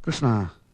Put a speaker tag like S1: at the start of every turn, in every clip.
S1: കൃഷ്ണ,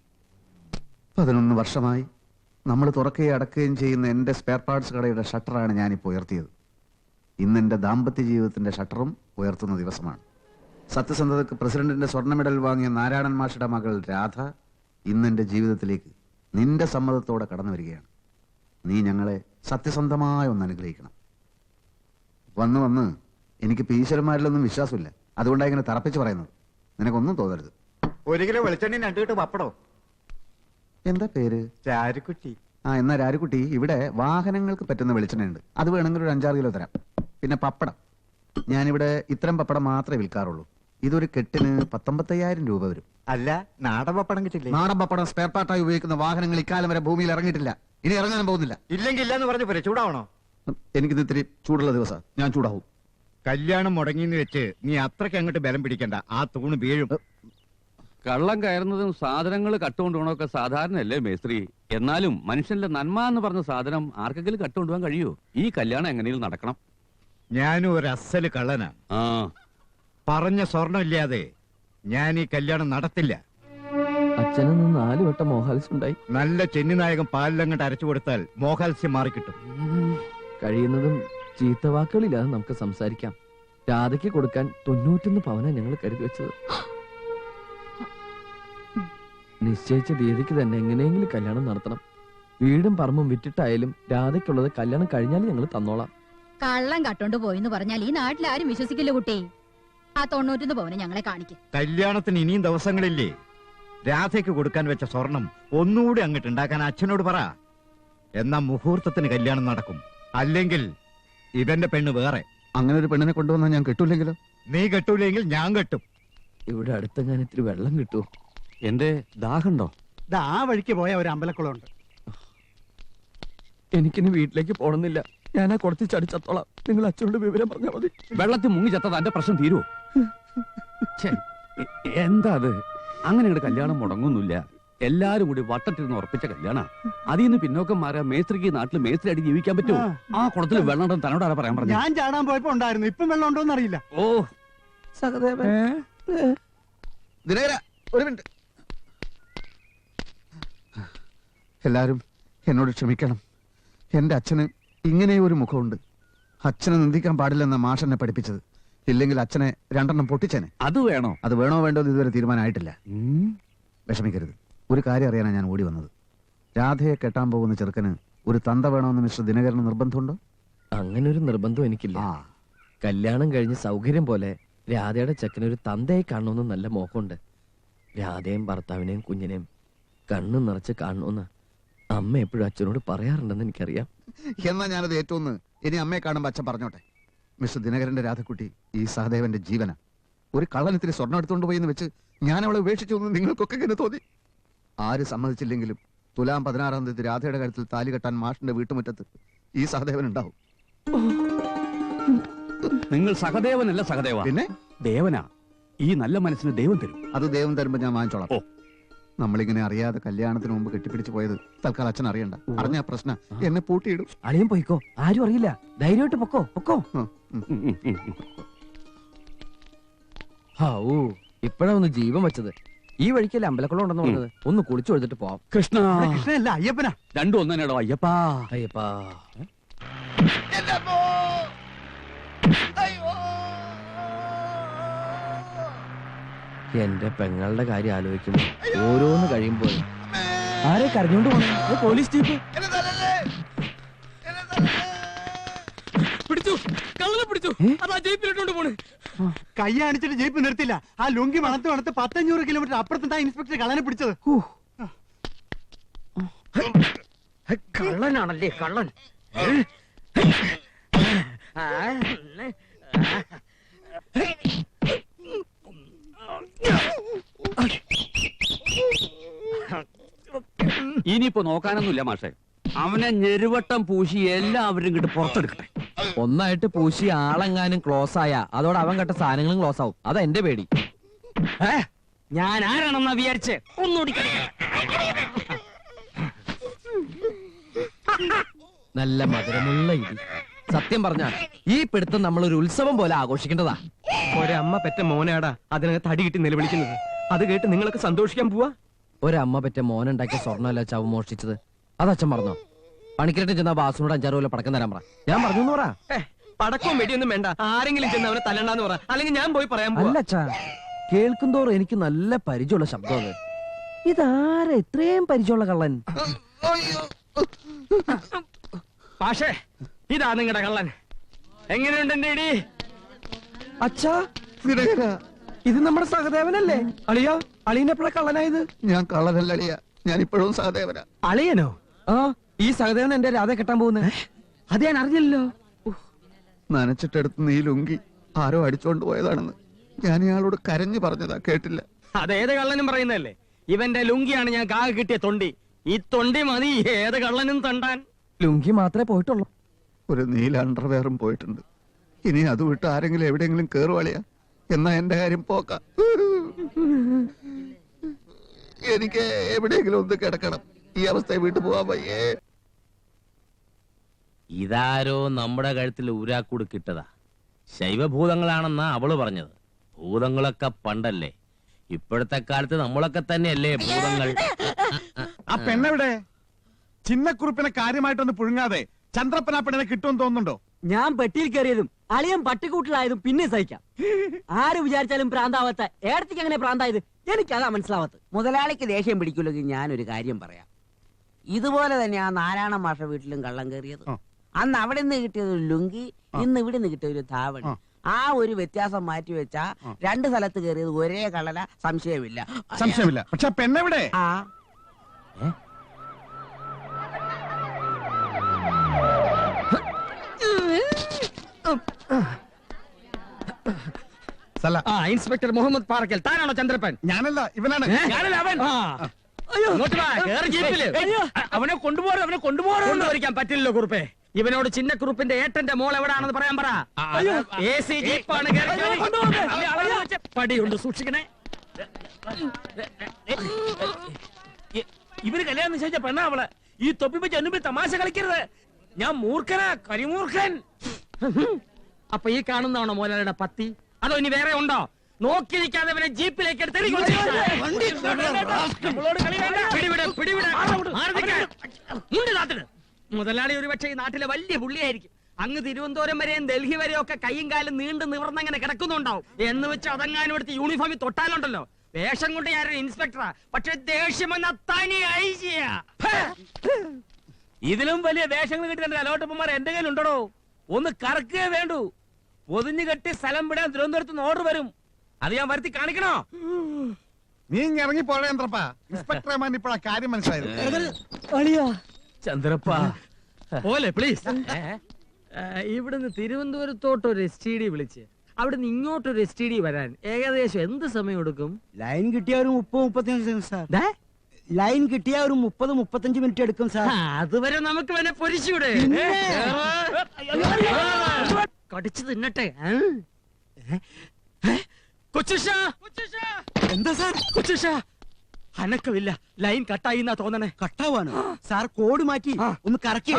S1: 11 വർഷമായി നമ്മൾ തുറക്കുകയും അടക്കുകയും ചെയ്യുന്ന എൻ്റെ സ്പെയർ പാർട്സ് കടയുടെ ഷട്ടറാണ് ഞാനിപ്പോൾ ഉയർത്തിയത്. ഇന്ന് എൻ്റെ ദാമ്പത്യ ജീവിതത്തിൻ്റെ ഷട്ടറും ഉയർത്തുന്ന ദിവസമാണ്. സത്യസന്ധതയ്ക്ക് പ്രസിഡന്റിന്റെ സ്വർണ്ണ മെഡൽ വാങ്ങിയ നാരായണൻ മാഷിയുടെ മകൾ രാധ ഇന്ന് എൻ്റെ ജീവിതത്തിലേക്ക് നിന്റെ സമ്മതത്തോടെ കടന്നു വരികയാണ്. നീ ഞങ്ങളെ സത്യസന്ധമായി ഒന്ന് അനുഗ്രഹിക്കണം. വന്ന് എനിക്കിപ്പോൾ ഈശ്വരന്മാരിലൊന്നും വിശ്വാസമില്ല. അതുകൊണ്ടാണ് ഇങ്ങനെ തറപ്പിച്ച് പറയുന്നത്. നിനക്കൊന്നും തോന്നരുത്.
S2: 1 കിലോ വെളിച്ചെണ്ണ 2 കിട്ട് പപ്പടോ.
S1: എന്താ പേര്?
S2: രാരുക്കുട്ടി.
S1: എന്നാ രാരുക്കുട്ടി, ഇവിടെ വാഹനങ്ങൾക്ക് പറ്റുന്ന വെളിച്ചെണ്ണയുണ്ട്. അത് വേണമെങ്കിൽ ഒരു 5-6 കിലോ തരാം. പിന്നെ പപ്പടം, ഞാനിവിടെ ഇത്തരം പപ്പടം മാത്രമേ വിൽക്കാറുള്ളൂ. ഇതൊരു കെട്ടിന് 19,000 രൂപ വരും.
S2: അല്ല, നാടൻ പപ്പടം കിട്ടില്ലേ?
S1: നാടൻ പപ്പടം സ്പെയർ പാർട്ടായി ഉപയോഗിക്കുന്ന വാഹനങ്ങൾ ഇക്കാലം വരെ ഭൂമിയിൽ ഇറങ്ങിയിട്ടില്ല. ഇനി ഇറങ്ങാനും പോകുന്നില്ല.
S2: ഇല്ലെങ്കിൽ ഇല്ലാന്ന് പറഞ്ഞു പോരെ. ചൂടാവണോ?
S1: എനിക്കിത് ഇത്തിരി ചൂടുള്ള ദിവസം, ഞാൻ ചൂടാവും.
S2: കല്യാണം മുടങ്ങിന്ന് വെച്ച് നീ അത്രയ്ക്ക് അങ്ങോട്ട് ബലം പിടിക്കണ്ട. ആ തൂണ് വീഴും.
S3: കള്ളം കയറുന്നതും സാധനങ്ങൾ കട്ടുകൊണ്ടുപോകണമൊക്കെ സാധാരണയല്ലേ മേസ്ത്രി? എന്നാലും മനുഷ്യന്റെ നന്മ എന്ന് പറഞ്ഞ സാധനം ആർക്കെങ്കിലും കട്ടുകൊണ്ടുപോകാൻ കഴിയുമോ? ഈ കല്യാണം എങ്ങനെയും നടക്കണം.
S2: ഞാനും ഒരു അസല് കള്ളനാ. പറഞ്ഞ സ്വർണം ഇല്ലാതെ ഞാൻ ഈ കല്യാണം നടത്തില്ല.
S4: അച്ഛനിൽ നിന്ന് 4 വട്ടം മോഹാൽസ്യം ഉണ്ടായി.
S2: നല്ല ചെന്നിനായകം പാലിലങ്ങോട്ട് അരച്ചു കൊടുത്താൽ മോഹാൽസ്യം മാറിക്കിട്ടും.
S4: കഴിയുന്നതും ചീത്തവാക്കുകളില്ലാതെ നമുക്ക് സംസാരിക്കാം. രാധയ്ക്ക് കൊടുക്കാൻ 91 പവനാ ഞങ്ങൾ കരുതി വെച്ചത്. നിശ്ചയിച്ച തീയതിക്ക് തന്നെ എങ്ങനെയെങ്കിലും കല്യാണം നടത്തണം. വീടും പറമ്പും വിറ്റിട്ടായാലും രാധയ്ക്കുള്ളത് കല്യാണം കഴിഞ്ഞാലും ഞങ്ങൾ തന്നോളാം.
S5: കള്ളം കട്ടോണ്ട് പോയിന്ന് പറഞ്ഞാൽ ഈ നാട്ടിൽ ആരും വിശ്വസിക്കില്ല കുട്ടി. ആ 91 പവന് ഞങ്ങളെ കാണിക്കും.
S2: കല്യാണത്തിന് ഇനിയും ദിവസങ്ങളില്ലേ? രാധയ്ക്ക് കൊടുക്കാൻ വെച്ച സ്വർണം ഒന്നുകൂടി അങ്ങോട്ട് ഉണ്ടാക്കാൻ അച്ഛനോട് പറ. എന്നാ മുഹൂർത്തത്തിന് കല്യാണം നടക്കും. അല്ലെങ്കിൽ ഇവന്റെ പെണ്ണ് വേറെ.
S1: അങ്ങനെ ഒരു പെണ്ണിനെ കൊണ്ടുവന്നാൽ ഞാൻ കെട്ടൂലെങ്കിലോ?
S2: നീ കെട്ടൂലെങ്കിൽ ഞാൻ കെട്ടും.
S4: ഇവിടെ അടുത്ത് ഞാൻ ഇത്തിരി വെള്ളം കിട്ടുമോ?
S3: എന്റെ ദാഹുണ്ടോ?
S6: ആ വഴിക്ക് പോയ ഒരു അമ്പലക്കുളമുണ്ട്.
S4: എനിക്കിനി വീട്ടിലേക്ക് പോണമെന്നില്ല. ഞാനാ കൊടുത്ത് ചടിച്ചത്തോളാം. നിങ്ങൾ അച്ഛനോട് വിവരം പറഞ്ഞാൽ മതി.
S3: വെള്ളത്തിൽ മുങ്ങി ചത്തത് എന്റെ പ്രശ്നം തീരുവോ? എന്താ അത്? അങ്ങനെ ഒരു കല്യാണം മുടങ്ങുന്നില്ല. എല്ലാരും കൂടി വട്ടത്തിരുന്ന് ഉറപ്പിച്ച കല്യാണ. അതിൽ നിന്ന് പിന്നോക്കം മാറിയ മേസ്ത്രിക്ക് നാട്ടിൽ മേസ്ത്രി അടി ജീവിക്കാൻ പറ്റുമോ? ആ കുളത്തിൽ വെള്ളം ഉണ്ടെന്ന് തന്നോട് ആരാ പറയാൻ പറഞ്ഞു?
S6: ഞാൻ ചാടാൻ പോയപ്പോ ഉണ്ടായിരുന്നു. ഇപ്പം വെള്ളം ഉണ്ടോന്ന് അറിയില്ല.
S3: ഓ
S4: സഹദേവൻ,
S1: ദിനകര, ഒരു മിനിറ്റ്. എല്ലാരും എന്നോട് ക്ഷമിക്കണം. എന്റെ അച്ഛന് ഇങ്ങനെ ഒരു മുഖമുണ്ട്. അച്ഛനെ നിന്ദിക്കാൻ പാടില്ലെന്ന മാഷെന്നെ പഠിപ്പിച്ചത്. ഇല്ലെങ്കിൽ അച്ഛനെ 2 പൊട്ടിച്ചേനെ.
S3: അത് വേണോ?
S1: അത് വേണോ വേണ്ടോ എന്ന് ഇതുവരെ തീരുമാനമായിട്ടില്ല. വിഷമിക്കരുത്. ഒരു കാര്യം അറിയാനാണ് ഞാൻ ഓടി വന്നത്. രാധയെ കെട്ടാൻ പോകുന്ന ചെറുക്കന് ഒരു തന്ത വേണമെന്ന് മിസ്റ്റർ ദിനകരന് നിർബന്ധമുണ്ടോ?
S4: അങ്ങനെ ഒരു നിർബന്ധം എനിക്കില്ല. കല്യാണം കഴിഞ്ഞ് സൗകര്യം പോലെ രാധയുടെ ചെക്കനൊരു തന്തയായി കാണണമെന്ന് നല്ല മോഹമുണ്ട്. രാധയും ഭർത്താവിനെയും കുഞ്ഞിനെയും കണ്ണു നിറച്ച് കാണണമെന്ന് അമ്മ എപ്പോഴും അച്ഛനോട് പറയാറുണ്ടെന്ന് എനിക്കറിയാം.
S1: എന്നാ ഞാനത് ഏറ്റവും ഇനി അമ്മയെ കാണുമ്പോൾ അച്ഛൻ പറഞ്ഞോട്ടെ. മിസ്റ്റർ ദിനകരന്റെ രാധക്കുട്ടി ഈ സഹദേവന്റെ ജീവന. ഒരു കള്ളനത്തിരി സ്വർണ്ണം എടുത്തുകൊണ്ട് പോയി എന്ന് വെച്ച് ഞാൻ അവളെ ഉപേക്ഷിച്ചു എന്ന് നിങ്ങൾക്കൊക്കെ ഇങ്ങനെ തോന്നി. ആര് സമ്മതിച്ചില്ലെങ്കിലും തുലാം 16-ാം തീയതി രാധയുടെ കാര്യത്തിൽ താലി കെട്ടാൻ മാഷിന്റെ വീട്ടുമുറ്റത്ത് ഈ സഹദേവൻ ഉണ്ടാവും.
S3: നിങ്ങൾ സഹദേവനല്ല സഹദേവ,
S1: പിന്നെ
S3: ദേവനാ. ഈ നല്ല മനസ്സിന് ദൈവം തരും.
S1: അത് ദൈവം തരുമ്പോ ഞാൻ വാങ്ങിച്ചോളാം. നമ്മളിങ്ങനെ അറിയാതെ കല്യാണത്തിന് മുമ്പ് കെട്ടിപ്പിടിച്ചു പോയത് തൽക്കാലം അച്ഛൻ അറിയണ്ട. അറിഞ്ഞ പ്രശ്നം എന്നെ പൂട്ടിയിടും.
S4: അളിയൻ പോയിക്കോ, ആരും അറിയില്ല. ധൈര്യമായിട്ട് പൊക്കോ പൊക്കോ. ഇപ്പഴാ ഒന്ന് ജീവൻ വെച്ചത്. ഈ വഴിക്കല്ലേ അമ്പലക്കുളം ഉണ്ടെന്ന് പറഞ്ഞത്. ഒന്ന് കുളിച്ചു കൊടുത്തിട്ട് പോവാം.
S3: കൃഷ്ണ,
S6: കൃഷ്ണനല്ല അയ്യപ്പനാ.
S3: രണ്ടും ഒന്നേടോ. അയ്യപ്പാ
S4: അയ്യപ്പാ. എന്റെ പെങ്ങളുടെ കാര്യം ആലോചിക്കുമ്പോ ഓരോന്ന് കഴിയുമ്പോ ആരെ കരഞ്ഞോണ്ട് പോണേ? പോലീസ് ജീപ്പ്
S3: പിടിച്ചു, കള്ളനെ പിടിച്ചു. അതാ ജീപ്പിലിട്ടോണ്ട് പോണേ.
S6: കൈ കാണിച്ചിട്ട് ജീപ്പ് നിർത്തില്ല. ആ ലുങ്കി മണത്ത് 500 കിലോമീറ്റർ അപ്പുറത്താ ഇൻസ്പെക്ടർ കള്ളനെ പിടിച്ചത്.
S4: കള്ളനാണല്ലേ കള്ളൻ.
S3: ഇനിയിപ്പോ നോക്കാനൊന്നുമില്ല മാഷെ. അവനെ ഞെരുവട്ടം പൂശി എല്ലാവരും ഇങ്ങോട്ട് പുറത്തെടുക്കട്ടെ.
S4: ഒന്നായിട്ട് പൂശി ആളെങ്ങാനും ക്ലോസ് ആയ അതോടെ അവൻ കെട്ട സാധനങ്ങളും ക്ലോസ് ആവും. അതാ എന്റെ പേടി.
S7: ഞാൻ ആരാണെന്നാ വിചാരിച്ച് ഒന്നുകൂടി
S4: നല്ല മധുരമുള്ള ഇടി. സത്യം പറഞ്ഞാൽ ഈ പിടുത്തം നമ്മൾ ഒരു ഉത്സവം പോലെ ആഘോഷിക്കേണ്ടതാ.
S7: ഒരമ്മ പെറ്റ മോനാടാ അതിനകത്ത് അടി കിട്ടി നിലവിളിക്കുന്നത്. അത് കേട്ട് നിങ്ങളൊക്കെ സന്തോഷിക്കാൻ പോവാ.
S4: ഒരമ്മ പറ്റ മോനുണ്ടാക്കിയ സ്വർണ്ണമല്ല ചവ് മോഷ്ടിച്ചത്. അത് അച്ഛൻ പറഞ്ഞോ? പണിക്കരട്ട് ചെന്ന ബാസുനോട് 5-6 കൊല്ലം പടക്കം തരാൻ പറ. ഞാൻ പറഞ്ഞു പറ.
S7: പടക്കവും വെടിയൊന്നും വേണ്ട, ആരെങ്കിലും ചെന്ന് അവനെ തല്ലണ്ടാന്ന് പറ, അല്ലെങ്കിൽ ഞാൻ പോയി പറയാൻ
S4: അല്ല അച്ഛാ, കേൾക്കുന്തോറും എനിക്ക് നല്ല പരിചയമുള്ള ശബ്ദം അത്. ഇതാരാ ഇത്രയും പരിചയമുള്ള കള്ളൻ?
S7: പക്ഷേ ഇതാ നിങ്ങളുടെ കള്ളൻ. എങ്ങനെയുണ്ട് എന്റെ ഇടി?
S4: അച്ഛാ, ഇത് നമ്മുടെ സഹദേവനല്ലേ? അളിയാ, അളിയനെപ്പോഴാ കള്ളനായത്?
S1: ഞാൻ കള്ളനല്ല അളിയ, ഞാൻ ഇപ്പോഴും സഹദേവനാ.
S7: അളിയനോ?
S4: ആ, ഈ സഹദേവൻ എന്റെ രാധ കെട്ടാൻ പോകുന്നേ.
S7: അത് ഞാൻ അറിഞ്ഞല്ലോ.
S1: നനച്ചിട്ടെടുത്ത് നീ ലുങ്കി ആരോ അടിച്ചോണ്ട് പോയതാണെന്ന് ഞാൻ ഇയാളോട് കരഞ്ഞു പറഞ്ഞതാ, കേട്ടില്ല.
S7: അതേത് കള്ളനും പറയുന്നതല്ലേ. ഇവന്റെ ലുങ്കിയാണ് ഞാൻ കാകെ കിട്ടിയ തൊണ്ടി. ഈ തൊണ്ടി മതി ഏത് കള്ളനും തണ്ടാൻ.
S4: ലുങ്കി മാത്രമേ പോയിട്ടുള്ളൂ.
S1: ഒരു നീല അണ്ടർവെയറും പോയിട്ടുണ്ട്. ഇനി അത് വിട്ട് ആരെങ്കിലും എവിടെയെങ്കിലും കേറുവാളിയാ എന്നാ എന്റെ കാര്യം പോക്ക. എനിക്ക് എവിടെയെങ്കിലും ഒന്ന് കിടക്കണം. ഈ അവസ്ഥയെ വീട്ടു പോവാൻ വയ്യേ.
S8: ഇതാരോ നമ്മുടെ കഴുത്തിൽ ഊരാക്കൂട് കിട്ടതാ. ശൈവഭൂതങ്ങളാണെന്നാ അവള് പറഞ്ഞത്. ഭൂതങ്ങളൊക്കെ പണ്ടല്ലേ, ഇപ്പോഴത്തെ കാലത്ത് നമ്മളൊക്കെ തന്നെയല്ലേ ഭൂതങ്ങൾ.
S9: ആ പെണ്ണെവിടെ? ചിന്നക്കുറിപ്പിനെ കാര്യമായിട്ടൊന്ന് പുഴുങ്ങാതെ ചന്ദ്രപ്പന പെണ്ണിനെ കിട്ടുമെന്ന് തോന്നുന്നുണ്ടോ?
S10: ഞാൻ പെട്ടിയിൽ കയറിയതും അളിയൻ പട്ടിക്കൂട്ടിലായതും പിന്നെ സഹിക്കാം. ആര് വിചാരിച്ചാലും പ്രാന്താവാത്ത ഏടത്തേക്ക് എങ്ങനെ പ്രാന്തായത് എനിക്കതാ മനസ്സിലാവാത്ത.
S11: മുതലാളിക്ക് ദേഷ്യം പിടിക്കില്ലെങ്കിൽ ഞാനൊരു കാര്യം പറയാം. ഇതുപോലെ തന്നെ ആ നാരായണ മാഷ വീട്ടിലും കള്ളം കയറിയത്. അന്ന് അവിടെ നിന്ന് കിട്ടിയത് ഒരു ലുങ്കി, ഇന്ന് ഇവിടെ നിന്ന് കിട്ടിയ ഒരു ധാവണി. ആ ഒരു വ്യത്യാസം മാറ്റി വെച്ചാ 2 സ്ഥലത്ത് കയറിയത് ഒരേ കള്ളല, സംശയമില്ല.
S9: സംശയമില്ല. പക്ഷെ പെണ്ണെവിടെ?
S11: ആ
S7: ഇൻസ്പെക്ടർ മുഹമ്മദ് പാറക്കൽ, താനാണോ ചന്ദ്രപ്പൻ?
S9: ഞാനല്ല, ഇവനാണ്.
S7: ഞാനല്ല അവൻ. ഇങ്ങോട്ട് വാ, കേറ് ജീപ്പില്. അവനെ കൊണ്ടുപോകാൻ പറ്റില്ലല്ലോ കുറുപ്പേ. ഇവനോട് ചിന്നക്കുറുപ്പിന്റെ ഏട്ടന്റെ മോൾ എവിടാണെന്ന് പറയാൻ പറ. AC ജീപ്പാണ്. പടിയുണ്ട്, സൂക്ഷിക്കണേ. ഇവര് കല്യാണം നിശ്ചയിച്ച പെണ്ണാ അവള്. ഈ തൊപ്പി വെച്ച് എന്നുമ്പിൽ തമാശ കളിക്കരുത്. ഞാൻ മൂർഖനാ, കരിമൂർഖൻ. അപ്പൊ ഈ കാണുന്നതാണോ മോലാലിയുടെ പത്തി? അതോ ഇനി വേറെ ഉണ്ടോ? നോക്കിയിരിക്കാതെ അവനെ ജീപ്പിലേക്ക് എടുത്ത് മുതലാളി ഒരുപക്ഷെ ഈ നാട്ടിലെ വലിയ പുള്ളിയായിരിക്കും. അങ്ങ് തിരുവനന്തപുരം വരെയും ഡൽഹി വരെയും ഒക്കെ കൈയും കാലും നീണ്ടു നിവർന്നങ്ങനെ കിടക്കുന്നുണ്ടാവും. എന്ന് വെച്ച് അതങ്ങാനും എടുത്ത് യൂണിഫോമിൽ തൊട്ടാലുണ്ടല്ലോ. വേഷം കൊണ്ട് ഞാനൊരു ഇൻസ്പെക്ടറാ, പക്ഷെ ദേഷ്യമെന്ന തനി ഐജിയാ. ഇതിലും വലിയ വേഷങ്ങൾ കിട്ടിയ അലോട്ടപ്പന്മാർ എന്റെ കയ്യിലുണ്ടോ? ഒന്ന് കറക്കുകയേ വേണ്ടൂ. പൊതിഞ്ഞു കെട്ടി സ്ഥലം വിടാൻ തിരുവനന്തപുരത്ത് ഓർഡർ വരും. അത് ഞാൻ വരുത്തി കാണിക്കണോ?
S9: നീ ഇറങ്ങി പോഴ ചന്ദ്രപ്പ. ഇൻസ്പെക്ടർമാൻ ഇപ്പോഴാ കാര്യം മനസ്സിലായത്.
S7: ചന്ദ്രപ്പ പോലെ പ്ലീസ്. ഇവിടുന്ന് തിരുവനന്തപുരത്തോട്ട് ഒരു STD വിളിച്ച് അവിടുന്ന് ഇങ്ങോട്ടൊരു STD വരാൻ ഏകദേശം എന്ത് സമയം എടുക്കും?
S6: ലൈൻ കിട്ടിയ ഒരു 30-35 സാർ. ലൈൻ കിട്ടിയ ഒരു 30-35 മിനിറ്റ് എടുക്കും സാർ.
S7: അതുവരെ നമുക്ക് വേണേ പൊരിച്ചൂടെ? കടിച്ചു തിന്നട്ടെ.
S6: എന്താ സാർ?
S7: അനക്കമില്ല, ലൈൻ കട്ടായി എന്നാ തോന്നണേ.
S6: കട്ടാവാണ് സാർ. കോഡ് മാറ്റി ഒന്ന് കറക്കി.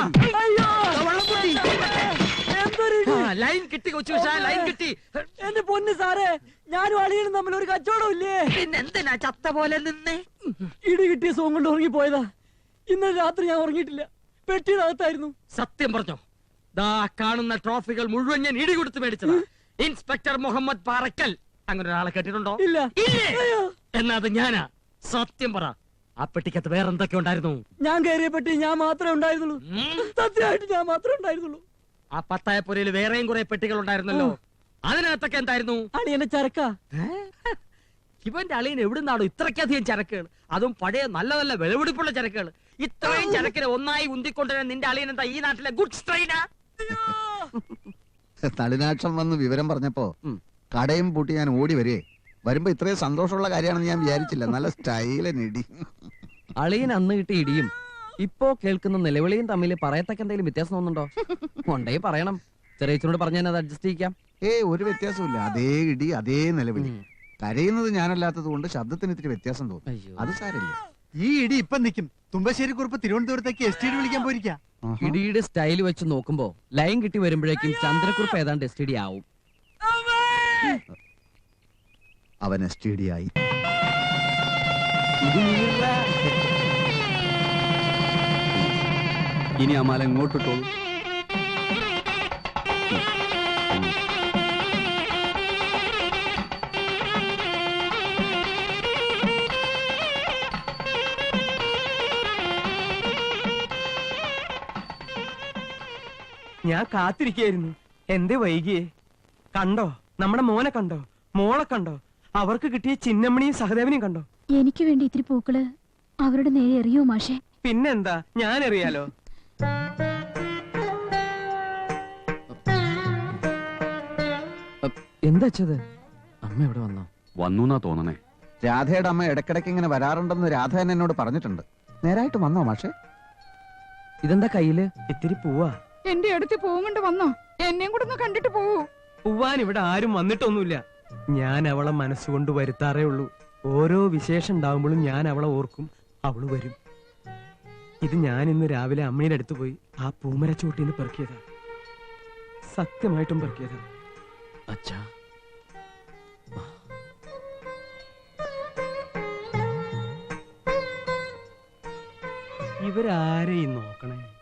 S7: ലൈൻ കിട്ടി കൊച്ചുഷ, ലൈൻ കിട്ടി.
S10: എന്റെ പൊന്ന് സാറേ, ഞാനും അളിയനും തമ്മിൽ ഒരു കച്ചവടം ഇല്ലേ?
S7: പിന്നെന്തിനാ ചത്ത പോലെ നിന്നേ?
S10: ഇടി കിട്ടിയ സോം കൊണ്ട് ഉറങ്ങിപ്പോയതാ. ഇന്നലെ രാത്രി ഞാൻ ഉറങ്ങിയിട്ടില്ല, പെട്ടിയിനകത്തായിരുന്നു.
S7: സത്യം പറഞ്ഞോ? ദാ കാണുന്ന ട്രോഫികൾ മുഴുവൻ ഞാൻ ഇടി കൊടുത്ത് മേടിച്ചതാ. ഇൻസ്പെക്ടർ മുഹമ്മദ് പാറക്കൽ. അങ്ങനെ ഒരാളെ കേട്ടിട്ടുണ്ടോ?
S10: ഇല്ല.
S7: എന്നാ അത് ഞാനാ. സത്യം പറ, ആ പെട്ടിക്കകത്ത് വേറെ എന്തൊക്കെ ഉണ്ടായിരുന്നു?
S10: ഞാൻ കയറിയ പെട്ടി ഞാൻ മാത്രമേ ഉണ്ടായിരുന്നുള്ളൂ. സത്യമായിട്ട് ഞാൻ മാത്രമേ ഉണ്ടായിരുന്നുള്ളൂ.
S7: ആ പത്തായപ്പുരയിൽ വേറെയും കുറെ പെട്ടികൾ ഉണ്ടായിരുന്നല്ലോ. അതിനകത്തൊക്കെ എന്തായിരുന്നു?
S10: അളിയന്റെ ചരക്ക.
S7: ഇവന്റെ അളിയൻ എവിടുന്നാണോ ഇത്രയ്ക്കധികം ചരക്കുകൾ? അതും പഴയ നല്ല നല്ല വിളവെടുപ്പുള്ള ചരക്കുകൾ. ഇത്രയും ചരക്കിനെ ഒന്നായി ഉന്തിക്കൊണ്ടുവരാൻ നിന്റെ അളിയൻ എന്താ ഈ നാട്ടിലെ ഗുഡ്സ് ട്രെയിനാ?
S1: തളിനാക്ഷം വന്ന് വിവരം പറഞ്ഞപ്പോ കടയും പൂട്ടി ഞാൻ ഓടി വരേ. വരുമ്പോ ഇത്രയും സന്തോഷമുള്ള കാര്യമാണെന്ന് ഞാൻ വിചാരിച്ചില്ല. നല്ല സ്റ്റൈലിനിടി.
S4: അളിയൻ അന്ന് കിട്ടിയ ഇടിയും ഇപ്പോ കേൾക്കുന്ന നിലവിളിയും തമ്മിൽ പറയത്തക്ക എന്തെങ്കിലും വ്യത്യാസം തോന്നുന്നുണ്ടോ? കൊണ്ടേ പറയണം. ചെറിയച്ചനോട് പറഞ്ഞാൽ അത് അഡ്ജസ്റ്റ് ചെയ്യിക്കാം.
S1: ഒരു വ്യത്യാസമില്ല. അതേ ഇടി, അതേ നിലവിളി. കരയുന്നത് ഞാനല്ലാത്തത് കൊണ്ട് ശബ്ദത്തിന് ഇത്തിരി വ്യത്യാസം തോന്നും. അത് സാരില്ല.
S6: ഈ ഇടി ഇപ്പൊ നിൽക്കും. തുമ്പശ്ശേരി കുറിപ്പ് തിരുവനന്തപുരത്തേക്ക് STD വിളിക്കാൻ പോയിരിക്കാം.
S4: ഇടിയുടെ സ്റ്റൈൽ വെച്ച് നോക്കുമ്പോ ലൈൻ കിട്ടി വരുമ്പോഴേക്കും ചന്ദ്രക്കുറിപ്പ് ഏതാണ്ട് STD ആവും.
S1: അവൻ STD ആയി.
S10: ഇത് നീറാ.
S3: ഇനി ആ മാല എങ്ങോട്ടിട്ടോളൂ.
S12: ഞാൻ കാത്തിരിക്കായിരുന്നു. എന്തേ വൈകിയേ? കണ്ടോ നമ്മുടെ മോനെ കണ്ടോ, മോളെ കണ്ടോ, അവർക്ക് കിട്ടിയ ചിന്നമ്മണിയും സഹദേവനെയും കണ്ടോ?
S5: എനിക്ക് വേണ്ടി ഇത്തിരി പൂക്കള് അവരുടെ നേരെ എറിയോ മാഷേ?
S12: പിന്നെന്താ, ഞാൻ അറിയാലോ.
S4: എന്താ അച്ഛത്? അമ്മ എവിടെ വന്നോ?
S3: വന്നു തോന്നണേ.
S1: രാധയുടെ അമ്മ ഇടയ്ക്കിടയ്ക്ക് ഇങ്ങനെ വരാറുണ്ടെന്ന് രാധ തന്നെ എന്നോട് പറഞ്ഞിട്ടുണ്ട്. നേരായിട്ട് വന്നോ മാഷെ?
S4: ഇതെന്താ കയ്യില്?
S12: ഇത്തിരി പൂവാ.
S13: എന്റെ അടുത്ത് പോകുന്നുണ്ട്, വന്നോ? എന്നെയും കൂടെ ഒന്ന് കണ്ടിട്ട് പോവൂ.
S12: പൂവാൻ ഇവിടെ ആരും വന്നിട്ടൊന്നുമില്ല. ഞാൻ അവളെ മനസ്സുകൊണ്ട് വരുത്താറേ ഉള്ളൂ. ഓരോ വിശേഷം ഉണ്ടാവുമ്പോഴും ഞാൻ അവളെ ഓർക്കും, അവള് വരും. ഇത് ഞാൻ ഇന്ന് രാവിലെ അമ്മയുടെ അടുത്ത് പോയി ആ പൂമരച്ചോട്ടിന്ന് പെറുക്കിയതാ. സത്യമായിട്ടും പെറുക്കിയതാ.
S4: അച്ഛാ,
S12: ഇവരാരെയും നോക്കണേ.